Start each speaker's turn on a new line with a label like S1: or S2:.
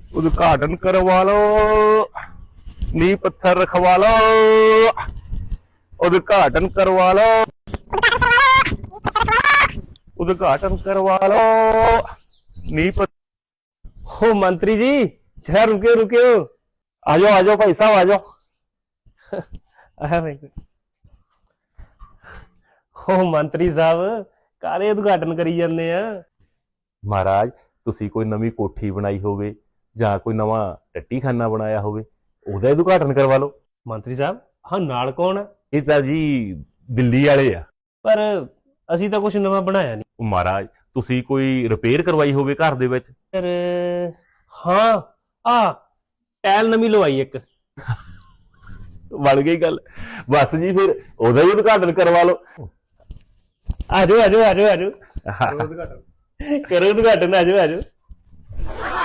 S1: उद्घाटन करवा लो, नींव पत्थर रखवा लो, उद्घाटन करवा लो, उद्घाटन करवा लो, नींव
S2: हो मंत्री जी जरा रुके रुके हो।
S1: आ जाओ भाई साहब आ जाओ।
S2: आया भाई हो मंत्री साहब काले उद्घाटन करी जाने आ।
S1: महाराज तुसी कोई नवी कोठी बनाई होवे ਜਾਂ ਕੋਈ ਨਵਾਂ ਟੱਟੀਖਾਨਾ ਬਣਾਇਆ ਹੋਵੇ ਉਹਦਾ ਉਦਘਾਟਨ ਕਰਵਾ ਲਓ।
S2: ਮੰਤਰੀ ਸਾਹਿਬ ਹਾਂ ਨਾਲ ਕੌਣ ਆ?
S1: ਇਹ ਤਾਂ ਜੀ ਦਿੱਲੀ ਵਾਲੇ ਆ।
S2: ਪਰ ਅਸੀਂ ਤਾਂ ਕੁਝ ਨਵਾਂ ਬਣਾਇਆ ਨਹੀਂ।
S1: ਉਹ ਮਹਾਰਾਜ ਤੁਸੀਂ ਕੋਈ ਰਿਪੇਅਰ ਕਰਵਾਈ ਹੋਵੇ ਘਰ ਦੇ ਵਿੱਚ?
S2: ਪਰ ਹਾਂ ਆ ਟੈਲ ਨਵੀਂ ਲਵਾਈ ਇੱਕ।
S1: ਬਣ ਗਈ ਗੱਲ। ਬਸ ਜੀ ਫਿਰ ਉਹਦਾ ਹੀ ਉਦਘਾਟਨ ਕਰਵਾ ਲਓ।
S2: ਆਜੋ ਆਜੋ ਆਜੋ ਆਜੋ ਕਰੋ ਉਦਘਾਟਨ ਆਜੋ ਆਜੋ।